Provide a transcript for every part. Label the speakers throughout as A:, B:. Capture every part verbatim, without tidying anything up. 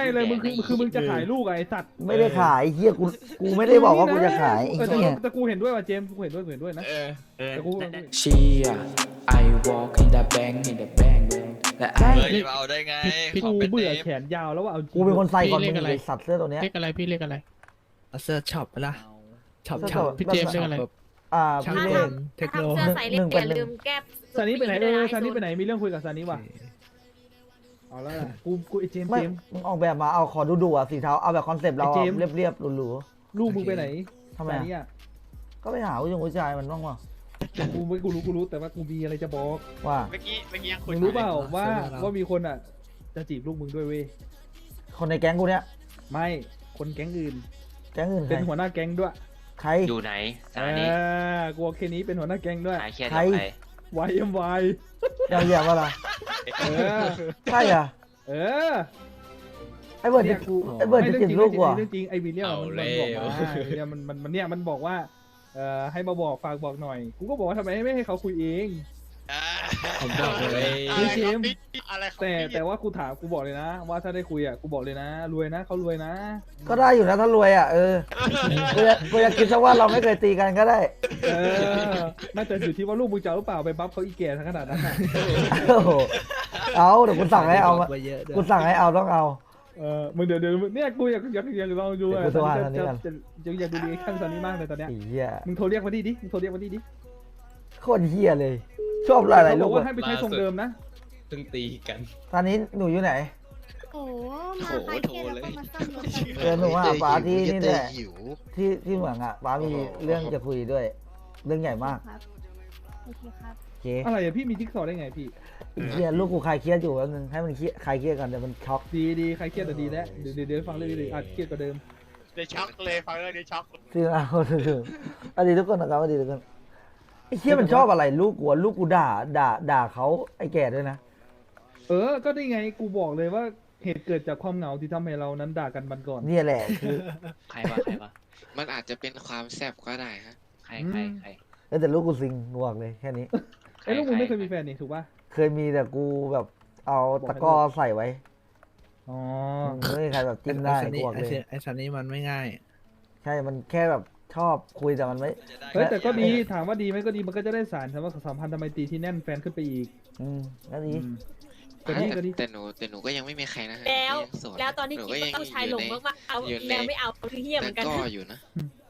A: เลยมึงคือคือมึงจะขายลูกไอ้สัตว์
B: ไม่ได้ขายเฮียกูกูไม่ได้บอกว่ากูจะขายไอ้
A: เออแต่
B: เหี้ย
A: แต่กูเห็นด้วยว่ะเจมส์กูเห็นด้วยกูเห็นด้วยนะ
C: เออเออ
A: แต่กู
D: Chia I walk in the bank in the bank และ
C: เฮ้
D: I
C: ยเอาได้ไง
A: กูเบื่อแขนยาวแล้วว่าเอาจริง
B: กูเป็นคนใส่ก่อนมึงไอ้สัตว์เสื้อตัวเนี้ย
E: เรียกอะไรพี่เรียกอะไร
F: เสื้อช็อปปะล่ะช็อป
B: เสื้อ
F: ช็อป
E: พี่เจมส์เรียกอะไร
B: อ่า
F: ช่าง
B: พี่
F: เล่
B: เล่
F: น
B: น
F: เทคโน
G: ทำเสื้อใส่เล็กอย่าลืมแก้
A: ซานี่ไปไหนเออซานี่ไปไหนมีเรื่องคุยกับซานี่ว่ะเอาแล้วกูกูไอ้เจมส์
B: ไม่
A: เจมส์
B: มึงออกแบบมาเอาขอดูดูอ่ะสีเทาเอาแบบคอนเซปต์เรา
A: ไอ้เจมส์
B: เรียบเรียบๆหรู
A: ลูกมึงไปไหน
B: ๆทำไม
A: ซา
B: อะ
A: นี่อ่ะ
B: ก็ไปหาผู้ชายผู้ชายมันบ้างวะ
A: กูไม่กูรู้กูรู้แต่ว่ากูมีอะไรจะบอก
B: ว่า
C: เมื่อกี้เมื่อกี้ยังคุ
A: มึ
C: ย
A: งรู้เปล่าว่าว่ามีคนอ่ะจะจีบลูกมึงด้วยเว้ย
B: คนในแก๊งกูเนี้ย
A: ไม่คนแก๊งอื่น
B: แก๊งอื่นใค
A: เป็
B: ร
A: นหัวหน้าแก๊งด้วย
B: ใคร
H: อยู่ไหน
A: เอ
H: สถานี
A: อกูเอาแค่นี้เป็นหัวหน้าแก๊งด้วย
H: หายเครียด
B: ใคร
H: กับใคร
A: วายเอ็มวาย
B: ยาวเหยียบอะไร
A: เออ
B: ใช่อ่ะ
A: เออ
B: ไอ้เบิร์ด
A: เนี่
B: จะ
A: ยกู
B: ไอ้เบิร์ดจะจีบลูกกูอ่ะ
A: เรื่องจริงไอ้วิลเลียมมันบอกว่าเนี่ยมันมันมันเนี่ยมันบอกว่าเอ่อให้มาบอกฝากบอกหน่อย กูก็บอกว่าทำไมไม่ให้เขาคุยเอง
F: ผมบอกเลย
A: พี่เจมส์
C: อะไรของ
A: แต่
C: พี่
A: แต่ว่ากูถามกูบอกเลยนะ ว่าถ้าได้คุยอ่ะกูบอกเลยนะ รวยนะเขารวยนะ
B: ก็ได้อยู่นะถ้ารวยอ่ะเออกูจะกูจะคิดซะว่าเราไม่เคยตีกันก็ได้
A: เออน่าจะอยู่ที่ว่าลูกมึงจะเอาหรือเปล่าไปบัฟเขาอีแก่ทั้งขนาดนั้นน่ะ
B: โอ้โหเอาเดี๋ยวกูสั่งให้เอามา
F: ไปเยอะด้วย
B: กูสั่งให้เอาต้องเอา
A: เออมึงเดี๋ยวเดี๋ยวเนี่ยกูอยากอยากอยากลองดูอ่ะ
B: เดี๋ยวกูโทรหา
A: จะ
B: ตอนนี้
A: จะ
B: ก่อน
A: จะจะอยากดูดีขั้นตอนนี้มากเลยตอนเนี้ย
B: ไอ้เหี้ย
A: มึงโทรเรียกมาดิดิมึงโทรเรียกมาดิดิ
B: โคตรเหี้ยเลย ชอบอะไร
A: เขาบ
B: ลู
A: อก
B: ก
A: ว่า
B: อะ
A: ให้ไปใช้ทรงเดิมนะ
C: เพิ่งตีกัน
B: ตอนนี้หนูอยู่ไหน
G: โอ้มาคลายเครียดแล้วก็มาซ่อมรถกัน
B: เออหนูว่าป้าที่นี่แหละ
I: หิว
B: ที่ที่เหมืองอ่ะป้ามีเรื่องจะคุยด้วย เรื่องใหญ่มาก
G: ครับโอเคครับ
B: โอเค
A: อะไรอะพี่มีจิ๊กซอว์ได้ไงพี่
B: ไอ้เหี้ยลูกกูคลายเครียดอยู่แป๊บนึงให้มันเครียดคลายเครียดก่อนเดี๋ยวมันช็อก
A: ดีดีใครเครียดแต่ดีแล้วเดี๋ยวเดี๋ยวเดี๋ยวฟังเรื่องนี้เลยอาจเครียดกว่าเดิม
C: เดี๋ยวช็อกเลยฟังเรื่องนี้ช็อก
B: ซึ่งเอาถึงสวัสดีทุกคนนะครับสวัสดีทุกคนไอ้เหี้ยมันชอบอะไรลูกกูอะลูกกูด่าด่าด่าเขาไอ้แก่ด้วยนะ
A: เออ ก็ได้ไงกูบอกเลยว่าเหตุเกิดจากความเหงาที่ทำให้เรานั้นด่ากันบันก่อน
B: เนี่ยแหละคือ
H: ใครวะใครวะ
I: มันอาจจะเป็นความแซ่บก็ได้ฮะ
H: ใครใครใคร
B: แล้วแต่ลูกกูซิงกูบอกเลยแค่นี้
A: ไอ้ยลูกมึงไม่เคยมีแฟนนี่ถูกป่ะ
B: เคยมีแต่กูแบบเอาตะกร้อใส่ไว้
A: อ๋อ
B: ไม่มีใครแบบจิ้มได้
F: ไอ้ซัน
B: กู
F: นี่
B: บอกเลย
F: ไอ้ซันนี่มันไม่ง่าย
B: ใช่มันแค่แบบชอบคุยแต่มันไม่
A: เฮ้ยแต่ก็ดีถามว่าดีไหมก็ดีมันก็จะได้สารสำหรับสัมพันธ์ทำไมตรีที่แน่นแฟนขึ้นไปอีก
B: อืมก็ดี
A: อืมก็ดีก็ดี
I: แต่หนูแต่หนูก็ยังไม่มีใครนะฮะ
G: แล้ว
I: ยังโสด
G: แล้วตอนที่
I: ห
G: คิด
I: ก็
G: ว่าผู้ชายหลงมากๆเอา
I: อยู่ใน
G: แล้วไม่เอาคือเฮี้ยเหมือนกัน
I: ก็อยู่นะ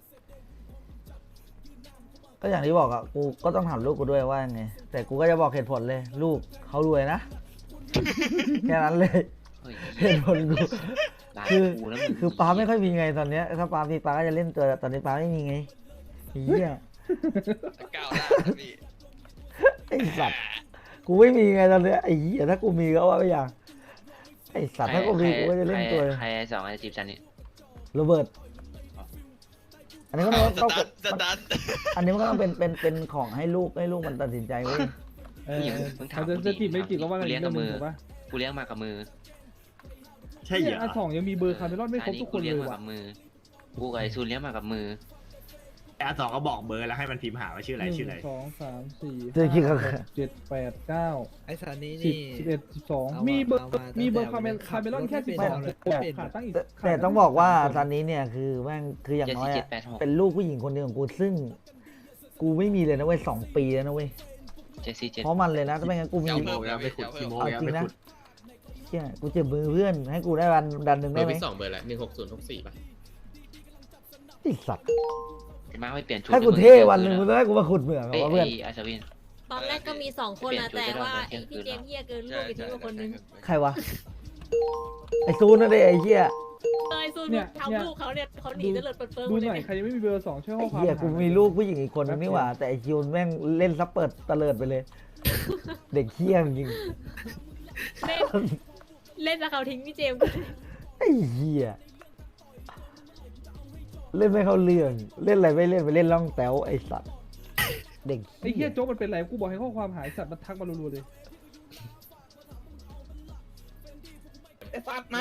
B: ก็อย่างที่บอกอะกูก็ต้องถามลูกกูด้วยว่าไงแต่กูก็จะบอกเหตุผลเลย ลูกเขารวยนะ แค่นั้นเลย
H: เฮ้ย
B: เหตุผลกู
H: ด่า
B: คือ
H: กูแล้วมึง
B: คือป้าไม่ค่อยมีไงตอนเนี้ยถ้าป้ามีป้าก็จะเล่นตัวแต่ตอนนี้ป้าไม่มีไงไอ้เหี้ย
C: ก้าวหน้านะพี่
B: ไอ้สัตว์กูไม่มีไงตอนเนี้ยไอ้เหี้ยถ้ากูมีก็ว่าไปอย่างไอ้สัตว์ถ้ากูมีกูก็จะเล่นตัว
H: ใครสองไอ้จีบฉันนี่
B: โรเบิร์ตอันนี้ก็ต้อง
C: ส
B: ต้อง
C: ตันสตัน
B: อันนี้มันก็ต้องเป็นเป็นเป็นของให้ลูกให้ลูกมันตัดสินใจเว้ย
A: เออเขาจะจะจีบไม่จีบก็ว่ากันอี
H: เลี้
A: ก
H: ยง
A: เรื่
H: กั
A: อบ งห
H: มื
A: นึง
H: อ
A: ถูกป่ะ
H: กูเลี้ยงมากับมือ
C: ใช่เหร
A: เนี่ย
C: อ
A: อาสองยังมีเบอร์คาร์เมลอนไม่ครบทุกคนเล
H: เลี้ยง
A: ย
H: มา
A: ว่ะ
H: กับมือกูกับไอ้ซูนเลี้ยงมากับมือ
C: อาสองก็บอกเบอร์แล้วให้มันพิมพ์หาว่าชื่ออะไร
A: หนึ่
C: ชื่ออะไร
A: งสองสามสี่
B: เจอคิดกับ
A: ห้าหกเจ็ดแปดเก้า
F: ไอ้ซันนี่
A: สิบ
F: นี่
A: สิบเอ็ดสิบสอง
F: เอามา
A: มีเบอร์
F: เอามา
A: มีเบอร์
F: ตั้
A: คาง ร์เม
F: แต่
A: ลคาร์เมลอนแค่
F: ขั
A: สิ
F: บบ รถ
A: สอง
F: ไม่
A: แต่
F: เป็น
A: ขาดตั้งอีก
B: แต่
A: ขาด
B: แต่ต้องบอกว่าตอนนี้เนี่ยคือแม่งคืออย่าง
H: เจ็ด
B: น้อย
H: สี่เจ็ด
B: อะ
H: แปดหก
B: เป็นลูกผู้หญิงคนหนึ่งของกูซึ่ง กูไม่มีเลยนะเว้ยสองปีแล้วนะเว้ย
H: เจ็ดสี่เจ็ด
B: เพราะมันเลยนะถ้าไม่งั้นกูมี
C: เดี๋ยวเพิ่มแล้วไปขุดคีโม
B: เอา
C: แล้ว
B: จริ
C: ไป
B: งนะ
C: ขุด
B: เชี่ยกูเจ็บมือเพื่อนให้กูได้วันดันหนึ่ง
J: เบ
B: ได้
J: อร์
B: ไหม
J: พี่สองเบอร์อะไรหนึ่งหกศูนย์หกสี่ป่ะ
B: ไอ้สัตว์
H: มาไม่เปลี่ยนชุด
B: ให้กูเท่วันหนึ่งมึงต้องให้กูมาขุดเหมืองเหร
H: เอ้
B: อย วะเพื่อน
H: ไอ้อาชวิน
G: ตอนแรกก็มีสองคนนะแต่ว่าไอ้พี่เจมส์เฮี้ยเกินลูกไปทิ้งไปคนนึง
B: ใครวะไอ้ซูนนั่นเองไอ้เหี้ย
G: เอ้ยซูนทำลูกเขาเนี่ยเขาหนีจะเลิศเปิดเปิด
A: ดู
G: เล
A: หน่อย
G: ย
A: ใครยังไม่มีเบอร์สองช่วยข้
B: ไอ้
A: อความ
B: เหี้ยกู
A: หา
B: มีลูกผู้หญิงอีกคนนึงนี่หว่าแต่ไอ้คิวแม่งเล่นซับเปิดตะเลิดไปเลย เด็กเหี้ยจริง
G: เล่นเล่นแล้วเขาทิ้งพี่เจมส์
B: ไอ้เหี้ยเล่นไม่เข้าเรื่องเล่นอะไรไม่เล่นไปเล่นล่องแต๋วไอ้สัตว์เด็ก
A: ไอ้เฮียโจ๊กมันเป็นไรกูบอกให้ข้อความหายสัตว์มันทักมารัวๆเลย
C: ไอ้สัตว์มา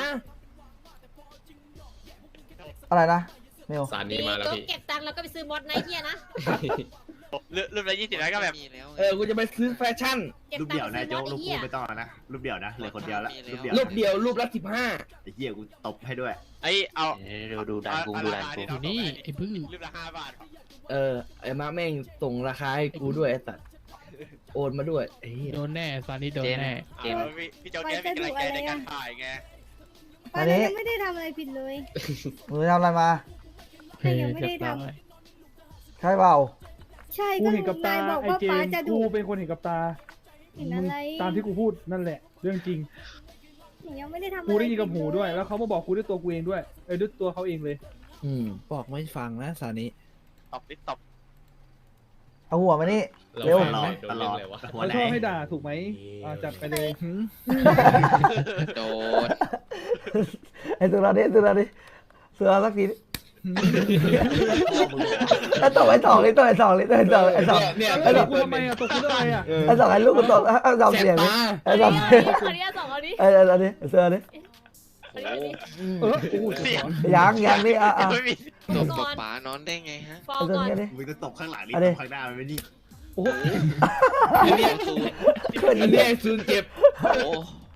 B: อะไรนะเมล
J: สาร
G: นี่
J: นี้มาแล้ว
G: ก็
J: พี่
G: เก็บตังค์แล้วก็ไปซื้อมอสไนท์เฮี้ยนะ
I: รูปละยี่สิบแล้วก็แบบมีแล้ว
C: เออกูจะไปซื้อแฟชั่น
G: เก็บ
C: รูป
G: ตั
C: เดี่ยว
G: งค์
C: นะ
G: ซื้อ
C: โจ๊ก
G: ร
C: รู
G: ถ
C: ป
G: ไอ้
C: คู่
G: เหี้ย
C: ไม่ต้องนะรูปเดี่ยวนะเหลือคนเดียวแล้วรูปเดี่ยว
I: รูปเดียวรูปละสิบห้า
C: ไอ้เหี้ยกูตบให้ด้วย
I: ไอ้เอา
H: เดี๋ยวดูด่านกูดูด่านกู
F: อยู่นี่ไอ้บื้อ
I: รูปละห้าบาท
C: เออไอ้มาแม่งส่งราคาให้กูด้วยไอ้สัตว์โอนมาด้วยไอ้เหี้ย
F: โดนแน่ซานี่โดน
H: เจม
F: แน่
H: เจม
I: พี่โจ๊กแกมีกำลังใจในการถ่ายไง
B: อันนี้
E: ไม่ได้ทำอะไรผิดเลย
B: หนูทำอะไรมา
E: แต่ยังไม่ได้ท
B: ใช่เปล่า
E: ใช่
A: กู
E: ก็
A: เห็นกับตาน
E: ายบอก
A: ไอ้
E: ว่า
A: เจ
E: ป้าม
A: ส์
E: จะดุ
A: กูเป็นคนเห็นกับตา
E: เห็น
A: มึ
E: อะ
A: ง
E: ไร
A: ตามที่กูพูดนั่นแหละ เรื่องจริง
E: หนูยังไม่ได้ทำ
A: กูได้ยินกับ
E: อะร
A: หู
E: ผิ
A: ด้วย
E: เล
A: แล้วเขามาบอกกูด้วยตัวกูเองด้วยเออด้วยตัวเขาเองเลย
F: อืมบอกไม่ฟังนะซานิ
I: ตบนิดตบ
B: เอาหัวมานี่เร็ว
C: ตลอดตลอดหัว
A: เขา
C: ไหน
A: ชอบให้ด่าถูกไหมอ่าจัดไปเลย
I: โดน
B: ไอ้ตัวนี้ตัวนี้เสือสักทีไอ้ต่อไอ้สองเลยต่อไอ้สองเลยต่อไอ้สองไอ้สอง
C: เนี่ย
A: ไอ้ตกกูทำไมอ่ะตกกูเรื่องอะไรอ่ะ
B: ไอ้สองไอ้ลูกกูตกไอ้สอง
C: แส
B: เสีย
C: บ
B: ง
C: ตา
B: ไอ้
G: ไอ้
B: สอง
G: เหี้ยคนนี้สองคนนี้
B: ไอ้ไอ้นี้เสือนี่
G: คนนี้
A: เออโอ้โห
I: เสียง
B: ยังยังนี่อ่ะอ่ะ
I: ไม่มี
E: ต
I: ต
E: บบ
I: กับป๋านอนได้ไงฮะ
G: ฟอ
B: ไอ้
G: ง
B: ตัว
G: ก่อน
B: นี้ดิ
C: มึงจะตบข้างหลังนี่
B: อัน
C: ต
B: นี้
C: บข้างหน้ามันไม่ดี
A: โอ้โห
I: อันนี้ซูน
C: อันนี้ซูนเจ็บ
I: โอ้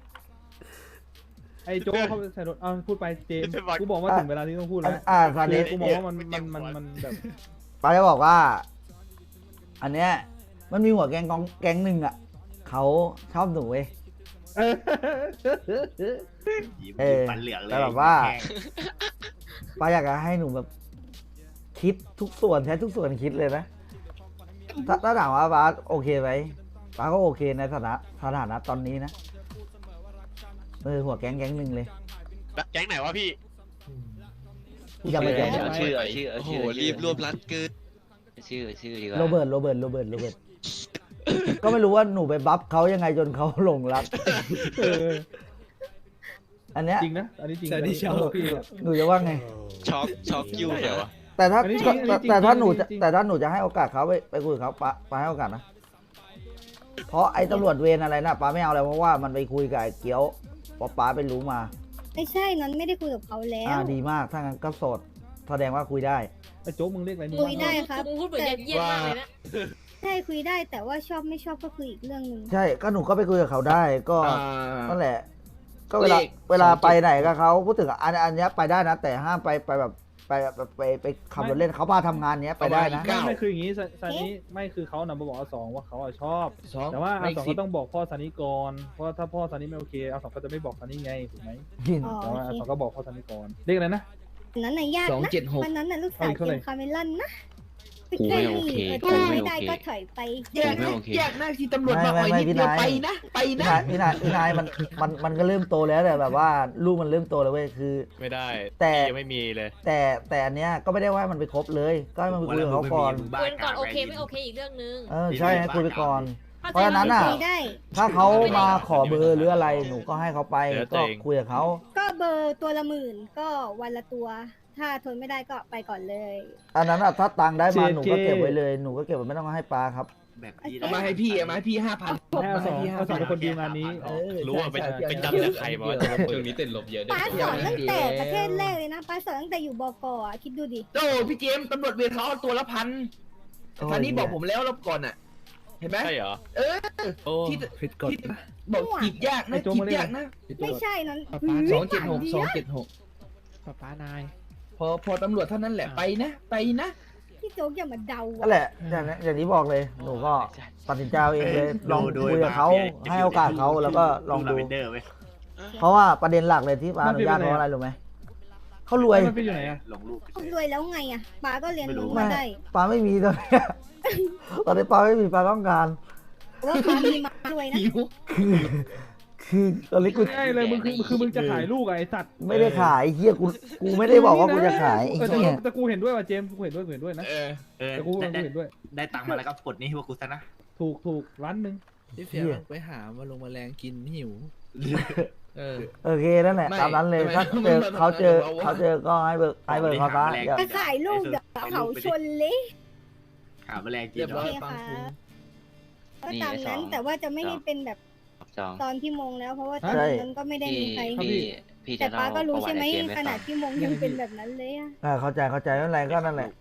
A: ไอ้โจ้เขาใส่รถเอาพูดไปเจมส์กูบอกว่าถึงเวลาที่ต้องพูดแล้ว
B: อ่าซานิ
A: กูมองว่ามันมันมันมันแบบ
B: ป้าจะบอกว่า อันเนี้ยมันมีหัวแก๊งกองแก๊งหนึ่งอ่ะเขาชอบหนูเว้ย
A: เออ
C: ยิ้ม
B: เออ
C: ฟันเหลืองเลย
B: แต่แบบว่า ป้าอยากจะให้หนูแบบ คิดทุกส่วนใช้ทุกส่วนคิดเลยนะถ้าถ้าถามว่าป้าโอเคไหมป้าก็โอเคในสถานะสถานะตอนนี้นะเออหัวแก๊งแก๊งหนึ่งเลย
I: แก๊งไหนวะพี่
B: ยังไม่แก๊ง
H: เอาชื่อเอาชื่อเอา
I: โอ้โห
H: ชื่อ
I: รีบรวบรัดเกิน
H: ชื่อชื่อดีกว่า
B: โรเบิร์ตโรเบิร์ตโรเบิร์ตโรเบิร์ตก็ไม่รู้ว่าหนูไปบัฟเขายังไงจนเขาหลงรัก
A: เออ
B: อันเนี้ย
A: จริงนะอันนี้จริง
F: ซานิชอบ
A: พี่
B: หนูจะว่าไง
I: ช็อกช็อกยูเลยวะ
B: แต่ถ้า
A: อันนี้จริง
B: แต่
A: อันนี้จริง
B: แต่ถ้าหนู
A: จริ
B: จะ
A: งจริง
B: แต่ถ้าหนูจะให้โอกาสเขาไปไปคุยกับเขาป้าป้าให้โอกาสนะ เพราะไอ้ตำรวจเวรอะไรนะป้าไม่เอาเลยเพราะว่ามันไปคุยกับไอ้เกี้ยวเพราะป้าไปรู้มา
E: ไม่ใช่นอนไม่ได้คุยกับเขาแล้ว
B: อ่าดีมากถ้างั้นก็โสดแสดงว่าคุยได้
A: ไอ้โจ๊กมึงเรียกอะไรมึง
E: คุยได้ครับ
G: มึงพูดเหมือนเยี่ยมมากเลยนะ
E: ใช่คุยได้แต่ว่าชอบไม่ชอบก็คืออีกเรื่องหนึ่ง
B: ใช่ก็หนูก็ไปคุยกับเขาได้ก็
C: อ่า
B: นั่นแหละ ก็เวลา
C: เลข
B: เวลา
C: สองจุด
B: ไปไหนกับเขาพูดถึงอันอันเนี้ยไปได้นะ แต่ห้ามไปไปแบบไปแบบไปไปขับรถเล่นเขาพาทำงานเนี้ยไปได้นะ
A: ไม่ไม่คืออย่างนี้ซาซานิไม่คือเขานำมาบอกอาสองว่าเขาอะชอบ
C: สอง
A: แต่ว่าอา
C: ไม่
A: สอง
C: สิ
A: ก็ต้องบอกพ่อซานิก่อนเพราะถ้าพ่อซานิไม่โอเคอาสองก็จะไม่บอกซานิไงถูกไหม
E: อ๋อ
A: แต่
E: โอ
A: ว่าอา
E: เค
A: สองก็บอกพ่อซานิก่อนเรียกอะไรนะ
E: อันนั้นน่ะยาก
C: สอง
E: นะ
C: เจ็ดหก
E: วันนั้นน่ะลูกสาว
A: เอาอีกเท่าไหร่
E: เกมคาเมลอนนะ
H: กูไม่โอเค
E: เออ
H: กู
E: ถ้า
H: ไม่
E: ไม่
H: โอ
E: ได้
H: เค
E: ก็ถอยไป
C: แยก
H: ไม่โอเค
C: แยกหน้าที่ตำรวจมาอ่อยนิดเดียวไปนะไป
B: พี่
C: นะ
B: นายพี่นายพี่นายมันมันมันก็เริ่มโตแล้วแต่แบบว่าลูกมันเริ่มโตแล้วเว้ยคือ
F: ไม่ได้
B: แต่
F: ยังไม่มีเลย
B: แต่แต่อันเนี้ยก็ไม่ได้ว่ามันไปครบเลย ก็ให้มันไปคุยกับเขาก่อน
G: คุยก่อนโอเคไม่โอเคอีกเรื่องนึง
B: เออใช่ให้คุยไปก่อน
G: ข้
B: เพราะฉะนั้นน่ะ
E: คุยได้
B: ถ้าเขามาขอเบอร์หรืออะไรหนูก็ให้เขาไป
F: เดี๋ยวตั
B: ก็
F: วเอง
B: คุยกับเขา
E: ก็เบอร์ตัวละหมื่นก็วันละตัว ถ้าทนไม่ได้ก็ไปก่อนเลย
B: อันนั้นอ่ะถ้าตังค์ได้มา
A: เจ
B: หนูก็เก็บไว้เลยหนูก็เก็บไว้ไม่ต้องให้ปลาครับ
C: แบบนี้
E: เอา
C: มาให้พี่เอามาให้พี่ห้าพัน
A: ให้อาสองอาสองเป็นคนดีลงานนี้
F: รู้ว่าไปไปจำจากใครมาว่าจะมาเปิด
E: ป้าสอนตั้งแต่ประเทศแรกเลยนะป้าสอนตั้งแต่อยู่บกอ่ะคิดดูดิ
C: โอ้พี่เจมส์ตำรวจเวรเขาเอาตัวละพันท่านนี้บอกผมแล้วรอบก่อนอ่ะ เห็นไหม
F: ใช่เหรอ
C: เออ
F: โอ้
C: ที่
F: ผิดกฎ
C: ที่บอกจีบยากนะ
A: ไอ้โจ๊ก
C: จี
A: มา
C: บ
A: เรียก
C: ยากนะ
E: ไม่ใช่นั้น
F: ป้าป้า
C: สองเจ็ดหกสองเจ็ดหก
F: ป้าป้านาย
C: พอพอตำรวจเท่านั้นแหละไปนะ ไปนะ
E: พี่โจ๊กอย่ามาเดา
B: นั่นแหละอย่างนี้อย่างที่บอกเลยหนูก็ตัดสินใจเอาเองเลยลอง
C: ดู
B: คุยกับเขา
C: ดู
B: ให้โอกาสเขาแล้วก็ลองดู
C: ลาเวนเดอร์ไว้
B: เพราะว่าประเด็นหลักเลยที่ป้าอนุญาตเพราะอะไรรู้ไหมเขารวย
A: มันเป็นอยู่ไหนอะ
C: ลงรูป
E: เขารวยแล้วไงอ่ะป้าก็เรียนรู้
B: ไม่
E: มาได้
B: ป้าไม่มีตอนนี้ ตอนนี้ป้าไม่มีป้าต้องการ
E: ว่าป้ามีมารวยนะ
C: หิว
B: คือคือตอนนี้กู
A: ง่ายเลยมึงคือคือมึงจะขายลูกอะไอ้สัตว์
B: ไม่ได้ขายไอ้เฮียกูกูไม่ได้บอกว่ากูจะขายไอ้
A: เออแต่
B: เฮีย
A: แต่กูเห็นด้วยว่ะเจมส์กูเห็นด้วยกูเห็นด้วยนะ
C: เออเออ
A: แต่กู
C: ได้
A: กู
C: ได้
A: เห็นด้วย
C: ได้ตังค์มาแล้วก็กดนี้ให้พวกกูซะนะ
A: ถูกถูกร้านหนึ่ง
F: พี่เฟียลงไปหามาลงมาแรงกินหิว เออ
B: โอเคนั่นแหละ
C: ไม่
B: ตามนั้นเลย
C: ไม่
B: ถ้า
C: ไม่
B: เจอ
C: ไม่
B: เขาเจอ
C: ไม่
B: เขาเจอก็ให้เบิกให้เบิกเขาซะ
C: ไม่ได้
B: อย่า
C: หาแมลง
E: จะขายลูกเดี๋ยวเขาชนเละ
C: หาแมลงกิน
F: เรียบ
C: เหร
F: ร้
C: อ
F: อยฟังคุณ
E: ก็ตามนั้นแต่ว่าจะไม่ให้เป็นแบบ
H: สอง
E: ตอนพี่มงแล้ว เพราะว่าตอนนั้นก็ไม่ได้
H: พี่
E: มีใคร
H: พี่พี่
E: แต่
H: จะ
E: ป้า
H: เล่า
E: ก็
H: ป
E: รู้
H: ระวั
E: ใช่
H: ติ
E: ไหม
H: ไอเกมให้
E: ข
H: ฟั
E: นาด
H: ง
E: พี่มงยังเป็นแบบนั้นเลยอะ
B: อ่าเข้าใจเข้าใจไม่เป็นไรก็นั่นแหละ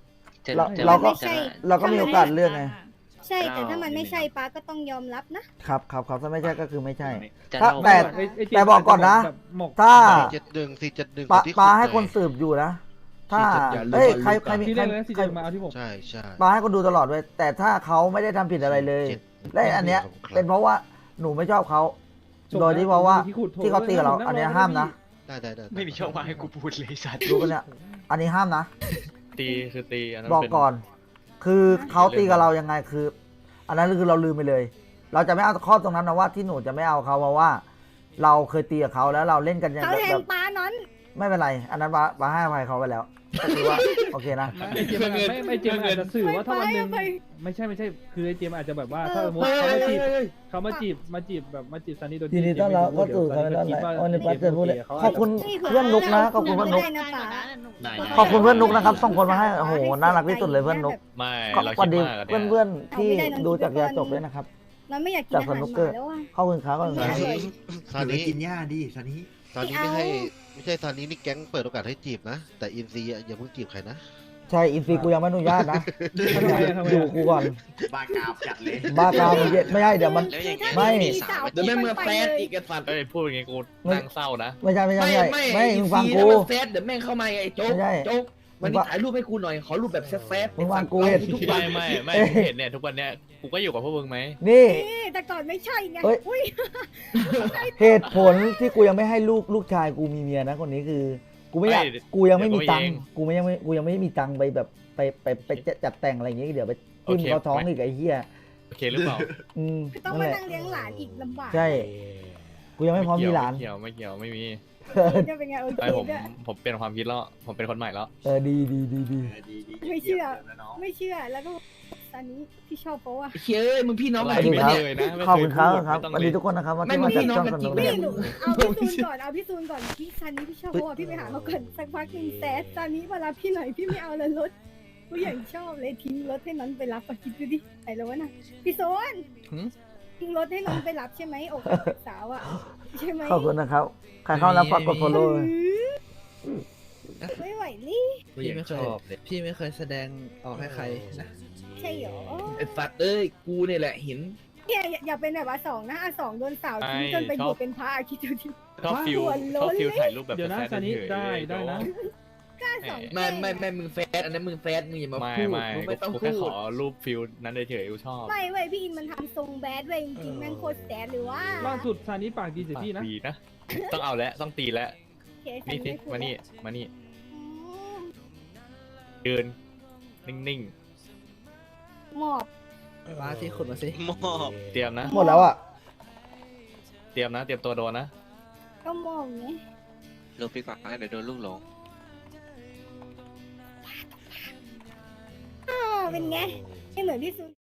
H: จะ
B: เรา
H: จะ
B: เราก็
H: จะ
B: เราก็มีโอกาสเลือกไง
E: ใช่แต่ถ้ามันไม่ใช่ป้าก็ต้องยอมรับนะ
B: ครับครับครับถ้าไม่ใช่ก็คือไม่ใช่
H: จะ
B: ถ้า
H: เล่า
B: แต่
A: ไอ้ไอ้เจมส์
B: แต่บอกก่อนนะ
A: แบบหมก
B: ถ้า
J: เจ็ดหนึ่งสี่เจ็ดหนึ่ง
B: ปา
J: ที่
B: ปา
J: ขุด
B: ให้คน
J: หน่อย
B: สืบอยู่นะ ถ้า
C: อย่าลืม
B: เอ้ย
C: อย่าลืม
B: ใครใครมี
A: ที่
B: ใค
A: แร
B: ร
A: กเลยนะซี
B: ใคร
A: เจมาเอาที่ผม
J: ใช่ใช่
B: ปาให้คนดูตลอดเลยแต่ถ้าเขาไม่ได้ทำผิดอะไรเลย
J: เจ็ด
B: และอันเนี้ย
J: ครับ
B: เป็นเพราะว่าหนูไม่ชอบเขา
A: จบ
B: โดยที่เพราะว่า
A: ที่ขุดโถ
B: ที่เขาตีกับเรา
A: นั่งรอ
B: อันเนี้ย
A: นั่งรอ
B: ห้ามนะ
J: ได้ได้ได้
H: ไม่มีช่องว่างให้กูพูดเลยสัตว์
B: ดูกันเนี่ยอันนี้ห้ามนะ
I: ตีคือตีอันนั้น
B: บอก
I: เป็น
B: ก่อน คือเขาตีกับเรายังไงคือ อันนั้นคือเราลืมไปเลย เราจะไม่เอาข้อตรงนั้นนะว่าที่หนูจะไม่เอาเขาเพราะว่า เราเคยตีกับเขาแล้วเราเล่นกันอย่าง
E: เขา
B: แบบ
E: แท
B: แบ
E: ง
B: บ
E: ป้านั้น
B: ไม่เป็นไร อันนั้นปาปาให้อภัยเขาไปแล้วก็คือว่า โอเคนะ
A: ไอ้เจมส์ไม่ไม่เจมส์อาจจะสื่อว่าถ้าวันหนึ่ง
E: ไปไป
A: ไม่ใช่ไม่ใช่คือไอ้เจมส์อาจจะแบบว่า
E: เอ
A: ถ้า
E: อ
A: สมมติเขามาจีบเขามาจีบมาจีบแบบมาจีบซันนี่โดย
B: ยินดีต้อนรับเข้าสู่คาเมล่าไลฟ์ออนไลน์เจอพูดเลยขอบคุณเพื่อนนุกนะขอบคุณเพื่อนนุก
E: ได้นะป้า
B: ขอบคุณเพื่อนนุกนะครับส่งคนมาให้โอ้โหน่ารักที่สุดเลยเพื่อนนุก
I: ไม่
B: ก็
I: เรา
B: สวั
I: คิ
B: ส
I: ด
B: ดี
I: มากอะ
B: เพื่อน
I: เนี่ย
B: เพื่อนๆที่ดูจากยาจบด้วยนะครับ
E: มันไม่อยากกิน
B: จาก
E: อา
B: ส
E: หาร
B: นุก
E: ห
B: เกอ
E: มา
B: ร์
E: แล้วอ่ะ
B: ขอบคุณครับขอบคุณครับ
J: ซานี้
F: กินหญ้าดิซานี้
J: ซานี้
E: ไม่
J: นี่
E: เอา
J: ให้ไม่ใช่ซานี้นี่แก๊งเปิดโอกาสให้จีบนะ แต่อินซีอะอย่าเพิ่งจีบใครนะ
B: ใช่อินซีกูยังไม่อนุญาตนะ
A: ทำไมอะทำไม
B: ดู
A: อะ
B: กูก่อน
F: บ้ากามจัดเลย
B: บ้ากามเย็ดไม่ใช่เดี๋ยวมัน
H: แล้วอย่างเงี้ย
B: ไม่
H: มีสาว
C: เดี๋ยวแม่งมาแฟดอีกไอ้สัตว์
I: เอ้ยพูดอย่างงี้กูนั่งเศร้านะ
B: ไม่ใช่ไม่ใช่ไม่ใช่ไม่มึงฟังกู
C: แล้วมันแฟดเดี๋ยวแม่งเข้ามาไอ้โจ๊ก
B: ไม่ใช่
C: โจ๊กวัน
B: มึ
C: นี้
B: งว่า
C: ถ่ายรูปให้กูหน่อยขอรูปแบบแฟดๆ
B: มึงวางกู
C: ไอ้
B: เห็น
C: สัตว์ทุกวั
I: ไม่
C: น
I: ไม่ไม่
B: เอ้ย
I: มึงเห็นเนี่ยทุกวันเนี้ยกูก็อยู่กับพวกมึงไหม
B: นี่
E: นี่แต่ก่อนไม่ใช่ไง
B: เอ้ย
E: อุ้ย
B: เหตุผลที่กูยังไม่ให้ลูกลูกชายกูมีเมียนะคนนี้คือ กูไม่อยากกูยังไม่มีตังค์กูไม่ยังไม่กูยังไม่มีตังค์ไปแบบไปไปไปจัดแต่งอะไรอย่างเงี้ยเดี๋ยวไปจิ้มเขาท้องอีกไอ้เหี้ย
I: โอเคหรือเปล่า
B: อืม
E: ต้อง
B: นั่น
E: มา
B: แหละ
E: นั่งเลี้ยงหลานอีกลำบาก
B: ใช่ กูยังไม่พร้อมมีหลาน
I: ไม่เกี่ยวไม่เกี่ยวไม่มี
E: จะเป็นไงโอเค
I: ไอผม
E: ด้วย
I: ผมเปลี่ยนความคิดแล้วผมเป็นคนใหม่แล้ว
B: เออดีดีดีดี
E: ไม่เชื่อ ไม่เชื่อแล้วก็ตอนนี้พี่ชอบเพราะว่า
C: เฮ้ยมึงพี่น้อง
I: อะไร
C: กันจริง
I: ไม่
C: ปะเนี่ย
I: เคยนะไม่
B: ขอบ
I: เค
B: คุ
I: ย
B: ณครับ
I: พูด
B: ครับ
I: ไม่ต้อง
B: สวัส
I: เล
B: ดี
I: ย
B: ทุกคนนะครับ
C: ไม่
B: ที่มาจาก
C: มึงพี่
B: ช่อง
C: น้
B: ส
C: องกัน
B: นุก
C: จริง
B: นะ
E: ไม่หนูเอาพี่ซูนก่อนเอาพี่ซูนก่อนพี่ซันนี้พี่ชอบเพราะว่าพี่ไปหาเขาก่อนสักพักหนึ่งแซดตอนนี้เวลาพี่หน่อยพี่ไม่เอาแล้วรถกูอย่างชอบเลยทิ้งรถให้น้องไปรับไปคิดดูดิไหนแล้ววะน่ะพี่โซนทิ้งรถให้น้องไปรับใช่ไหมอกหักสาวอ่ะใช่ไหม
B: ขอบคุณนะครับ ใครเข้าแล้วฝากกด follow เลย
E: ไม่ไหวนี่
F: พี่ไม่เคยพี่ไม่เคยแสดงออกให้ใครนะ
E: ใช่เหรอ
C: ไอ้สัตว์เอ้ยกูเนี่ยแหละเห็น
E: เนี่ยอย่าอย่าเป็นแบบว่าสองนะอ่ะสองโดนสาวทิ้งจนไปบวชเป็นพระอ่ะคิดดูดิ
I: ชอบฟิล
E: หัวโล้น
I: ชอบฟิลถ่ายรูปแบบ
A: เดี๋ยวนะ
I: แฟ
A: ซันนี่
I: เฉยๆ
A: ได้ได้นะ
E: กล้าสอง
C: ไม่ไม่ไม่มึงแฟดอันนั้นมึงแฟดมึงอย่ามา
I: ไม่
C: พูด
I: ไม่
C: มึงไม่ต้อง
I: กู
C: พู
I: แค่ข
C: ด
I: อรูปฟิลนั้นเฉยๆกูชอบ
E: ไม่เว้ยพี่อินมันทำทรงแบดเว้ยจริงๆแม่งโคตรแสบหรือว่า
A: ล่าสุดซันนี่ปากดีใส่พี่นะ
I: ดีนะ ต้องเอาแล้วต้องตีแล้ว
E: โอเคซั
I: นี่สิ
E: ไพูด
I: มานี่มานี่
E: อืม
I: เดินนิ่ง
E: หมอบ
F: ป้าที่ขุดมาสิ
I: ๆเตรียมนะ
B: หมดแล้วอ่ะ
I: เตรียมนะ เตรียมตัวโดนนะ
E: ก็หมอบไง
H: ลงไปก่อนนะเดี๋ยวโดนลูกหลง
E: อ้าวเป็นไงไม่เหมือนพี่ซู